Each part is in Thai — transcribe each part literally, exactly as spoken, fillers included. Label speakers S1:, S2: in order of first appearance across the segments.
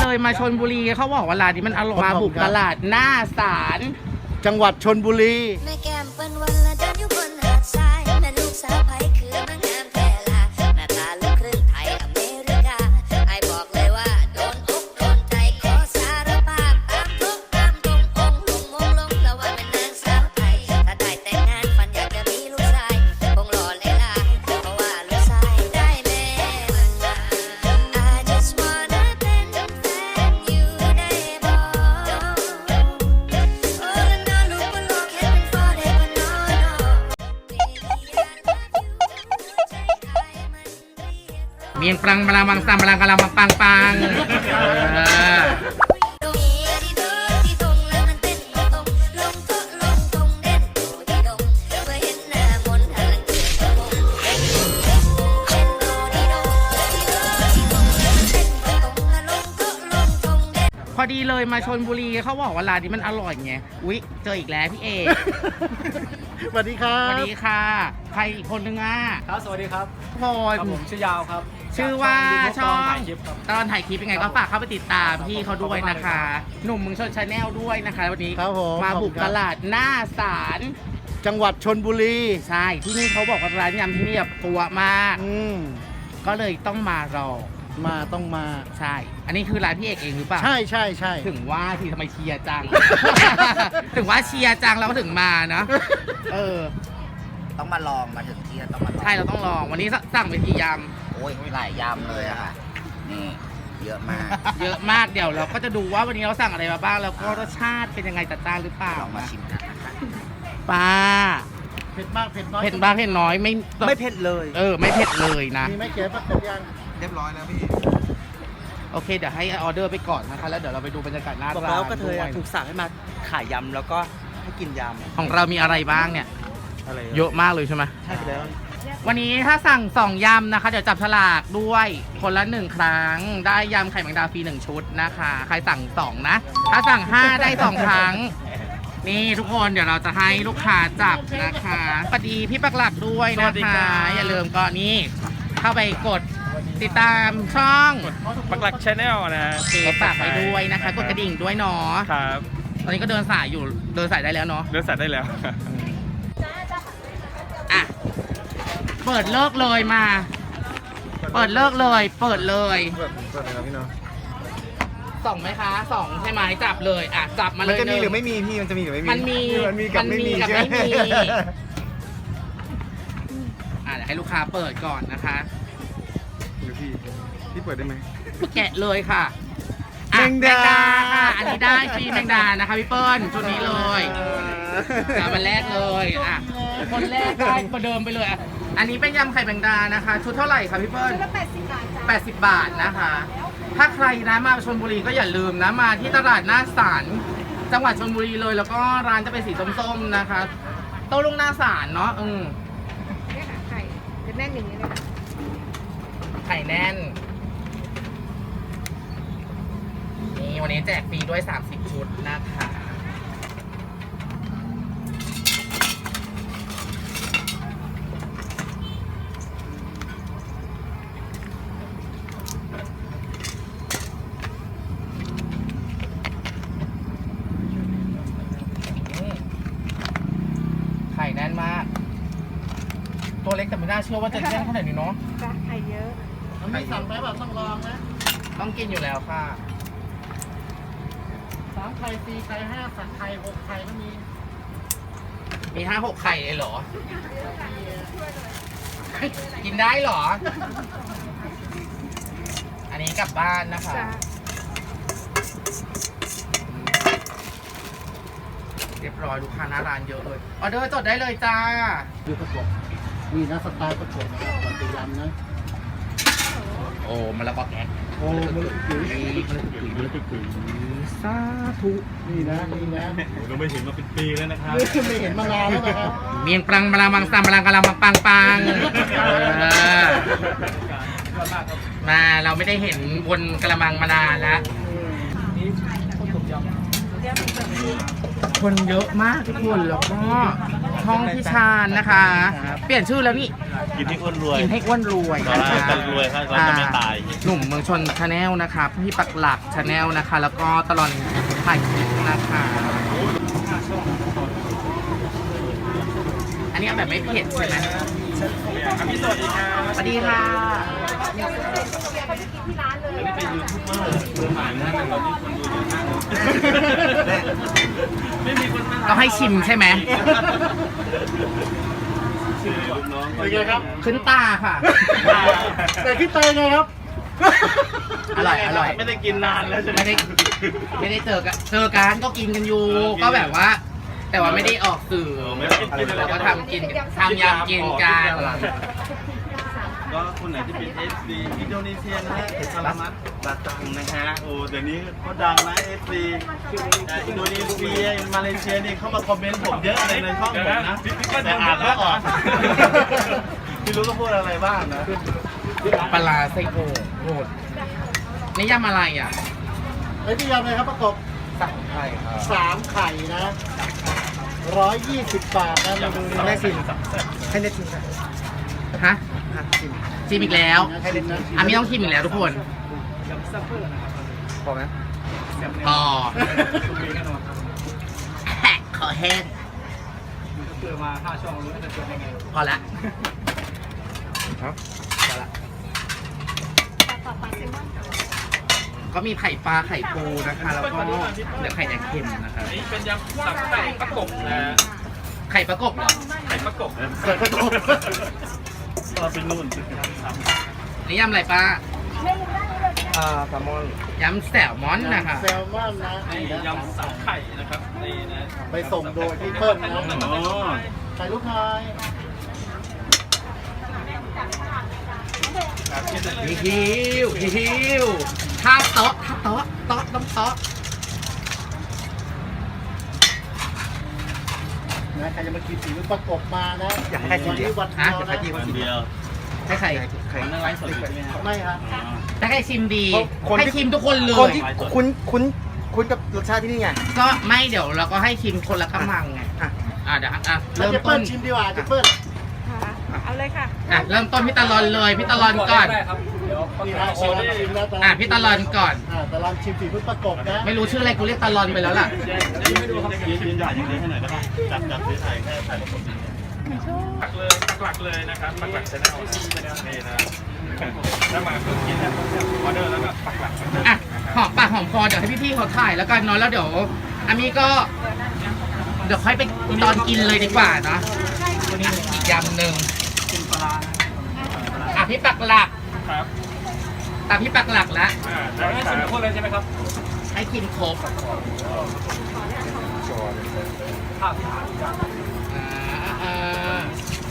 S1: เลยมาชลบุรีเขาบอกว่าร้านนี้มันอร่อยมาบุกตลาดหน้าศาล
S2: จังหวัดชลบุรี
S3: แม่แก้มเปิ้นวันละเดินอยู่บนหาดทรายแม่ลูกสาวไผคือมางามแท้ลาหน้าตาลูกครึ่งไทยอเมริกาไอ้บอกเลยว่าโดนอกโดนใจขอสารภาพตามทุกตามตรงองค์ลงมงลงแล้วว่าเป็นนางสาวไทยถ้าได้แต่งงานฝันอยากจะมีลูกชายคงหล่อเลยล่ะเพราะว่าลูกชายได้แม่ I just wanna เป็นแฟนอยู่ได้บ่โอ้ละน้อลูกบ่โลกเห็นเป็นฟ้าได้บ่น้อน้อ
S1: เมียงปรังปลามังซัมปลังกะละมังปังปังเออพอดีเลยมาชลบุรีเขาบอกว่าร้านนี้มันอร่อยไงอุ๊ยเจออีกแล้วพี่เอก
S2: สวัสดีครับ
S1: สวัสดีค่ะใครอีกคนนึงอ่ะ
S4: ครับสวัสดีครับ
S1: พล
S4: ครับผมชื่อยาวครับ
S1: ชื่อว่าช่อง
S4: ถ่ายคลิปครับ
S1: ตอนถ่ายคลิปยังไงก็ฝากเข้าไปติดตามพี่เขาด้วยนะคะ หนุ่มเมืองชนชาแนลด้วยนะคะวันนี้
S2: ครับผม
S1: มาบุก
S2: ขอบคุณครับ
S1: ตลาดหน้าศาล
S2: จังหวัดชลบุรี
S1: ใช่ที่นี่เขาบอกว่าร้านยำที่นี่แบบปัวมาก
S2: อืม
S1: ก็เลยต้องมารอ
S2: มาต้องมา
S1: ใช่ อันนี้คือร้านพี่เอกเองหรือเปล่า
S2: ใช่ใช่ใช่
S1: ถึงว่าที่ทำไมเชียร์จัง ถึงว่าเชียร์จังเราก็ถึงมานะเออ
S5: ต้องมาลองมาถึงที่ต้องมาลอง
S1: ใช่เราต้องลองวันนี้สั่งไปกี่ย
S5: โอ้ยหลายยำเลยอะค่ะ นี่เยอะมาก
S1: ำเยอะมากเดี๋ยวเราก็จะดูว่าวันนี้เราสั่งอะไรมาบ้างแล้วก็รสชาติเป็นยังไงจัดจ้านหรือเปล่า
S5: ลองมาชิมกันนะคะ
S1: ป้า
S2: เผ็ดมากเผ็ดน้อย
S1: เผ็ดบ้างเผ็ดน้อยไม่
S5: ไม่เผ็ดเลย
S1: เออไม่เผ็ดเลยนะ
S2: มีไหมเก๋ปักเผ็ดยัง
S5: เรียบร้อยแล้วพี่
S1: โอเคเดี๋ยวให้ออเดอร์ไปก่อนนะคะแล้วเดี๋ยวเราไปดูบรรยากาศหน้า
S4: บอก
S1: ร้าน
S4: แล้วก็เธอ
S1: ด้วย
S4: ถูกสั่งให้มาขายยำแล้วก็ให้กินย
S1: ของเรามีอะไรบ้างเนี่ย
S4: ำอะไร
S1: เยอะมากเลยใช่ไหม
S4: ใช่ไปแล้ว
S1: วันนี้ถ้าสั่งสองยำนะคะ เดี๋ยวจับฉลากด้วยคนละหนึ่งครั้งได้ยำไข่แมงดาฟรีหนึ่งชุดนะคะ ใครสั่งสองนะ ถ้าสั่งห้าได้สองครั้ง นี่ทุกคนเดี๋ยวเราจะให้ลูกค้าจับนะคะสวัสดีพี่ปักหลักด้วยนะคะอย่าลืมก็นี่เข้าไปกดติดตามช่อง
S4: ปักหลักชาแนลนะ
S1: เจ๊ฝากไปด้วยนะคะ กดกระดิ่งด้วยเนาะ
S4: ครับ
S1: ตอนนี้ก็เดินสายอยู่เดินสายได้แล้วเนาะ
S4: เลือกสัตว์ได้แล้ว
S1: อ่ะเปิดเลิกเลยมา เปิดเลิกเลยเปิดเลย
S2: เปิดเปิดเลยครับพี่น้อง
S1: สองไหมคะสองใช่ไหมจับเลยอ่ะจับมาเลย
S2: มันจะมีหรือ
S1: นึ่ง
S2: ไม่มีพี่มันจะมีหรือไม่มี
S1: มันมี
S2: มันมีกับ
S1: มัน
S2: ไม่
S1: มี
S2: มี
S1: กับ
S2: ใช่ไหม
S1: ไม่มี อ่ะเดี๋ยวให้ลูกค้าเปิดก่อนนะคะ
S2: เดี๋ยวพี่พี่เปิดได้ไหม
S1: แกะเลยค่ะอ่ะ
S2: แมงดา
S1: ค่ะอันนี้ได้ฟรีแมงดานะคะพี่เปิ้ลชุดนี้เลยอ่ะมันแรกเลยอ่ะคนแรกได้ประเดิมไปเลยอ่ะอันนี้เป็นยำไข่แมงดานะคะ ชุดเท่าไหร่คะพี่เปิ้ลแปดสิบบาทจ้ะแปดสิบบาทนะคะ ถ้าใครนะมาชลบุรีก็อย่าลืมนะมาที่ตลาดหน้าศาลจังหวัดชลบุรีเลย แล้วก็ร้านจะเป็นสีส้มๆนะคะโต๊ะลงหน้าศาลเนาะอืม
S6: เนี่ยค่ะไข่จะแน่นอย่างนี้เลยค่ะ
S1: ไข่แน่นนี่วันนี้แจกฟรีด้วยสามสิบชุดนะคะไข่แน่นมาก ตัวเล็กแต่ไม่น่าเชื่อว่าจะแน่นขนาดนี้เนาะ
S6: จ้ะไข่เยอะ
S2: มันไม่สั่งไปแบบต้องลองนะ
S1: ต้องกินอยู่แล้วค่ะ
S2: สามไข่สี่ไข่ห้าสักไข่หกไข่ก็มี
S1: มีห้าหกไข่เลยเหรอ กินได้เหรอ อันนี้กลับบ้านนะคะ
S6: จ้ะ
S1: เรียบร้อยลูกค้าหน้าร้านเยอะเลย ออเดอร์จดได้เลยจ้า
S2: ดูประกบนี่นะสไตล์ประกบนะครับก่อนจะยำนะ
S1: โอ้มันละกอแก๊ก
S2: โอ้มันเลยปุ๋ย
S1: มันละกุ๋ยมันละกุ๋ยสาธุ
S2: นี่นะนี่นะ
S4: เราไม่เห็นมาเป็นปีแล้วนะครับ
S2: ไม่เห็นมานานแล้วนะครับ
S1: เมียงปรังปลามังซัมปลังกะละมังปังปังเออมาเราไม่ได้เห็นบนกระมังมานานแล้ว คนเยอะมากทุกคนแล้วก็ทช่องพี่ชาญนะคะ เปลี่ยนชื่อแล้วนี่
S4: กินให้อ้วนรวย
S1: กินให้อ้วนรวย
S4: เรา
S1: นะคะ
S4: จะรวยครับเราจะไม่ตาย
S1: หนุ่มเมืองชนชาแนลนะคะพี่ปักหลักชาแนลนะคะ แล้วก็ตลอดถ่ายคลิปนะคะ อันนี้เอาแบบไม่เผ็ดใช่ไหมพี่สวัสดีค่ะสวัสดีค่ะ
S4: เป็นยูทูบเบอร์มือใหม่นะแต่ตอนนี้คนดูเยอะมากเลยไม่มีคนมา
S1: ต้องให้ชิมใช่ไหม
S4: ลูกน้อง
S2: เป็นไงครับ
S1: ขึ้นตาค่ะ
S2: แต่คิดเตยไงครับ
S1: อร่อยอร่อย
S4: ไม่ได้กินนานแล้วใช่ไหม
S1: ไม่ได้ไม่ได้เจอกันเจอกันก็กินกันอยู่ ก็แบบว่า แต่ว่าไม่ได้ออกสื่อ
S4: ไม่ได้กิน
S1: เราก็ทำกินทำยำกินกัน
S4: ก็คนไหนที่เป็น เอฟ ซี อินโดนีเซียนะฮะสลามัดบาตังนะฮะโอ้เดี๋ยวนี้เขาดังนะ เอฟ ซี อินโดนีเซียมาเลเซียนี่เข้ามาคอมเมนต์ผมเยอะเลยในช่องผมนะแต่อ่านไม่ออกไม่รู้ก็พูดอะไรบ้างนะ
S1: ปลาร้าไส้โอ่งโหดนี่ยำอะไรอ่ะ
S2: ไอ้ที่ยำเลยครับประกบ
S1: สับไข่ครับ
S2: สามไข่นะร้อยยี่สิบบาทนะเมนูนี้
S1: ได้ชิมให้ได้ชิมฮะชิมอีกแล้ว
S2: ให้ได้นะ
S1: อามีต้องชิมอีกแล้วทุกคน
S2: พอไหม
S1: พอแฮะขอแห้งพอละก็มีไข่ปลาไข่ปูนะคะ แล้วก็เดี๋ยวไข่แดงเค็มนะคะ
S4: นี่เป็นยำสับไก่ประกบนะ
S1: ไข่ประกบเหรอ
S4: ไก่ประกบนะ
S2: ใส่ประกบ
S4: เราเป็นนู่น
S1: นี่ยำอะไรป้า
S4: อ่าแซลมอน
S1: ยำแซลมอนนะคะ
S2: แซลมอนนะ
S4: นี่ยำสับไข่นะครับนี่นะ
S2: ไปส่งโดยพี่เปิ้ลนะ
S4: อ๋อ
S2: ใส่ลูกน้อย
S1: ฮิวฮิวท่าโต๊ะท่าโต๊ะโต๊ะต้องโต๊ะ
S2: นะใครจะมากินสีลูกประกบมานะ
S1: อยากให้ใครชิม
S2: วันนี้วันเดียว
S4: วัน
S2: นะ
S4: เดียว
S1: ให้ใคร
S4: ไข่ในไลฟ์สดใช่ไหมครับ
S2: ไม่ครับ
S1: ถ้าใครชิมดี
S7: คนที่
S1: ให้ชิมทุกคนเล
S7: คน
S1: ย
S7: ที่คุ้นคุ้นคุ้นกับรสชาติที่นี่ไง
S1: ก็ไม่เดี๋ยวเราก็ให้ชิมคนละกำมังไง
S7: อ่ะ
S1: อ่ะเดี๋ยวอ่ะ
S2: แล้ว
S1: เริ่ม
S2: เจ
S1: ต้
S2: เปิ้
S1: น
S2: ลชิมดีกว่าเจเปิ้ล
S6: ค่ะเอาเลยค่ะ
S1: อ่ะเริ่มต้นพี่ตะลอนเลยพี่ตะลอนก่อน
S2: นี่นะตะลอนชิมแล้วตะลอน
S1: อ่ะพี่ตะลอนก่อน
S2: อ่าตะลอนชิมสีลูกประกบนะ
S1: ไม่รู้ชื่ออะไรกูเรียกตะลอนไปแล้วล่ะ
S4: ไม่ดูครับยืนยืนหยาดอย่างนี้ให้หน่อยได้ป่ะจับจับซื้อไข่แค่ไข่ประกบปักเลยปักหลักเลยนะครับปักหลักชแนลนี่นะถ้ามาเพิ่งกินแล้วออเดอร์แล้วก็ปักหลัก
S1: อ่ะหอมปากหอมคอเดี๋ยวให้พี่ๆเขาถ่ายแล้วกันเนาะแล้วเดี๋ยวอามีก็ เดี๋ยวค่อยไปตอนกินเลยดีกว่าเนาะอ่ะอีกยำหนึ่งอ่ะพี่ปักหลัก
S4: ครับ
S1: อ่ะพี่ปักหลักแล้ว
S4: อ่าจะให้ชิมทุกคนเลยใช่ไหมครับ
S1: ให้กินครบอ่าอ่า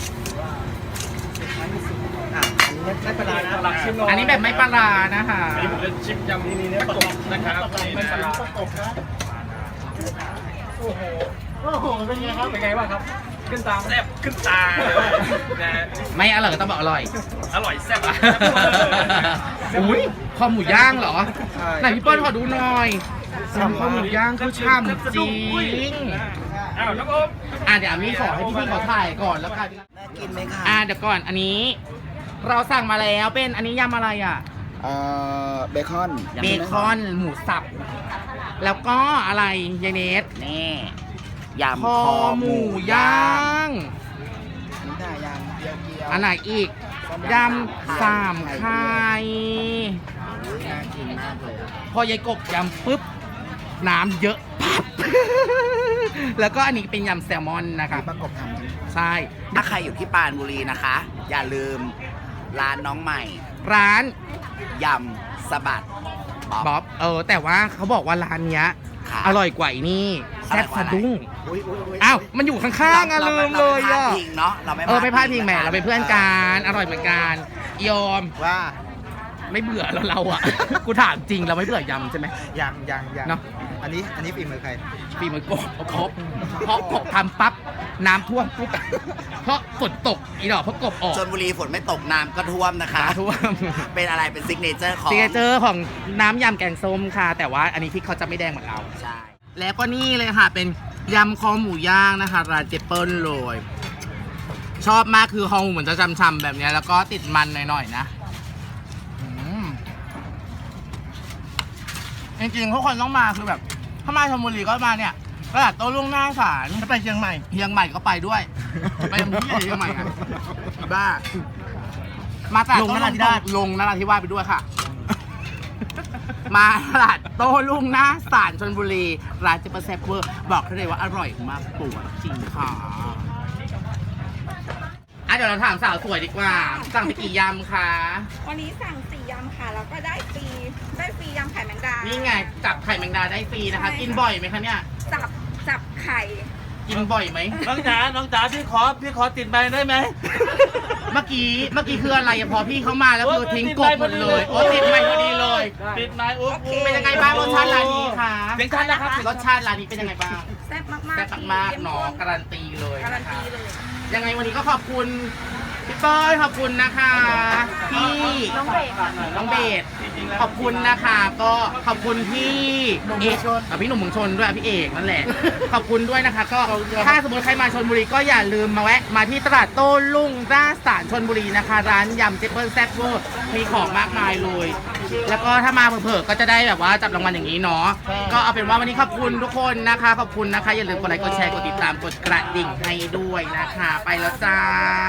S7: อ่ะอันนี้ไม่ปลาร้านะ
S4: หลักชิมหน่อย
S1: อันนี้แบบไม่ปลาร้านะคะ
S4: อันนี้ผมจะชิมยำนี่เนี่ยประกบนะครับ
S2: ปักหลัก
S4: นี่
S2: เป็น
S4: นะ
S2: สีลูกประกบนะโอ้โหโอ้โหเป็นไงครับ
S4: เป็นไงบ้างครับ ขึ้นตาแซ่บขึ้นตานะ
S1: ไม่อร่อยก็ต้องบอกอร่อย
S4: อร่อยแซ่บอ่ะ
S1: อุ้ยคอหมูย่างเหรอ
S7: ใช่
S1: ไหนพี่เปิ้ลขอดูหน่อยทำคอหมูย่างคือช่ำจริง
S4: อ้าวน้องโอม
S1: อ่ะเดี๋ยวอามีขอให้พี่ๆเขาถ่ายก่อนแล้วกัน
S7: น่ากินไหมคะ
S1: อ่ะเดี๋ยวก่อนอันนี้ เราสั่งมาแล้วเป็นอันนี้ยำอะไรอ่ะ
S7: เอ่อเบคอน
S1: เบคอนหมูสับ แล้วก็อะไรยายเนส
S5: นี่ยำ
S1: คอหมูย่าง
S7: นี่ได้ยังเกี๊ยวเกี๊ยว
S1: อันไหนอีกยำสามไข่
S2: น่ากินมากเลยอะ
S1: พอยายกบยำปุ๊บ น้ำเยอะปั๊บ แล้วก็อันนี้เป็นยำแซลมอนนะครับ
S7: ประกบทำ
S1: ใช่
S5: ถ้าใครอยู่ที่ปรานบุรีนะคะ อย่าลืมร้านน้องใหม่
S1: ร้าน
S5: ยำสะบัดบ๊อบ
S1: บ๊อบเออ แต่ว่าเขาบอกว่าร้านเนี้ย
S5: ค่ะ
S1: อร่อยกว่าไอ้นี่แซ่บสะดุ้ง
S5: อุ๊ยอุ๊ยอุ๊ย
S1: อ้าว มันอยู่ข้างๆอะลืมเลยอ่ะ
S5: ราไม่พลาดพิงเนาะเราไม่
S1: เออไม่พลาดพิงแหม
S5: ะคะ
S1: เราเป็นเพื่อนกันอร่อยเหมือนกันยอม
S7: ว่า
S1: ไม่เบื่อแล้วเราอ่ะ กูถามจริงเราไม่เบื่อยำใช่ไหม
S7: ยังยังยัง
S1: เนอะ
S7: อันนี้อันนี้ฝีมือใคร
S1: ปีมือกบครบเพราะกบทำปั๊บน้ำท่วมปุ๊บเพราะฝนตกอีดอกเพราะกบออก
S5: ชลบุรีฝนไม่ตกน้ำก็ท่วมนะคะ
S1: น้ำท่วม
S5: เป็นอะไรเป็นซิกเนเจอร์ของ
S1: ซิกเนเจอร์ของน้ำยำแกงส้มค่ะ แต่ว่าอันนี้พริกเขาจะไม่แดงเหมือนเรา
S5: ใช่
S1: แล้วก็นี่เลยค่ะ เป็นยำคอหมูย่างนะคะร้านเจเปิลเลยชอบมากคือคอหมูเหมือนจะช่ำๆแบบเนี้ยแล้วก็ติดมันหน่อยๆนะอืมจริงๆทุกคนต้องมาคือแบบถ้ามาชลบุรีก็มาเนี่ยตลาดโต้รุ่งหน้าศาล
S2: ถ้าไปเชียงใหม่
S1: เชียงใหม่ก็ไปด้วย ไปทำที่เชียงใหม่อะบ้า มาตลาด
S2: ลงนราธิวาส
S1: ลงนราธิวาสไปด้วยค่ะ มาตลาดโต้รุ่งหน้าศาลชลบุรีร้านเจเปิลแซ่บเวอร์บอกได้เลยว่าอร่อยมากปวดจริงค่ะอ่ะเดี๋ยวเราถามสาวสวยดีกว่า สั่งไปกี่ยำคะ
S6: วันนี้สั่งสี่ยำค่ะ แล้วก็ได้ฟรี ได้ฟรียำไข่แมงดา
S1: นี่ไงจับไข่แมงดาได้ฟรีนะคะ
S6: ใช่
S1: กินบ่อยไหมคะเนี่ย
S6: จับ จับไข่
S1: กินบ่อยไหม
S4: น้องจ๋า น้องจ๋าพี่ขอพี่ขอติดใบได้ไหม
S1: เมื่อกี้เมื่อกี้คืออะไรอะพอพี่เข้ามาแล้วคือทิ้งกบหมดเลยโอ้ติดไมค์พอดีเลย
S4: ติดไม้อุ๊บ
S6: โอเค
S1: เป็นยังไงบ้างรสชาติร้านนี้คะ
S4: เสียงชัดนะครับ
S1: รสชาติร้านนี้เป็นยังไงบ้าง
S6: แซ่บมากๆ
S1: แซ่บมากๆเนาะ
S6: ข้มข้
S1: การันตีเลย
S6: การัน
S1: นะคะ
S6: ตีเลย
S1: ยังไงวันนี้ก็ขอบคุณพี่เป้ยขอบคุณนะคะพี่น้องเบสน้องเบสขอบคุณนะคะก็ขอบคุณพี่เอกอ่ะพี่หนุ่มเมืองชนด้วยพี่เอกนั่นแหละ ขอบคุณด้วยนะคะ ก็ถ้าสมมติใครมาชลบุรีก็อย่าลืมมาแวะมาที่ตลาดโต้รุ่งหน้าศาลชลบุรีนะคะ ร้านยำเจเปิลแซ่บเวอร์มีของมากมายเลย แล้วก็ถ้ามาเผลอๆก็จะได้แบบว่าจับรางวัลอย่างนี้เนาะก็เอาเป็นว่าวันนี้ขอบคุณทุกคนนะคะ ขอบคุณนะคะอย่าลืมกดไลค์กดแชร์กดติดตามกดกระดิ่งให้ด้วยนะคะ ไปแล้วจ้า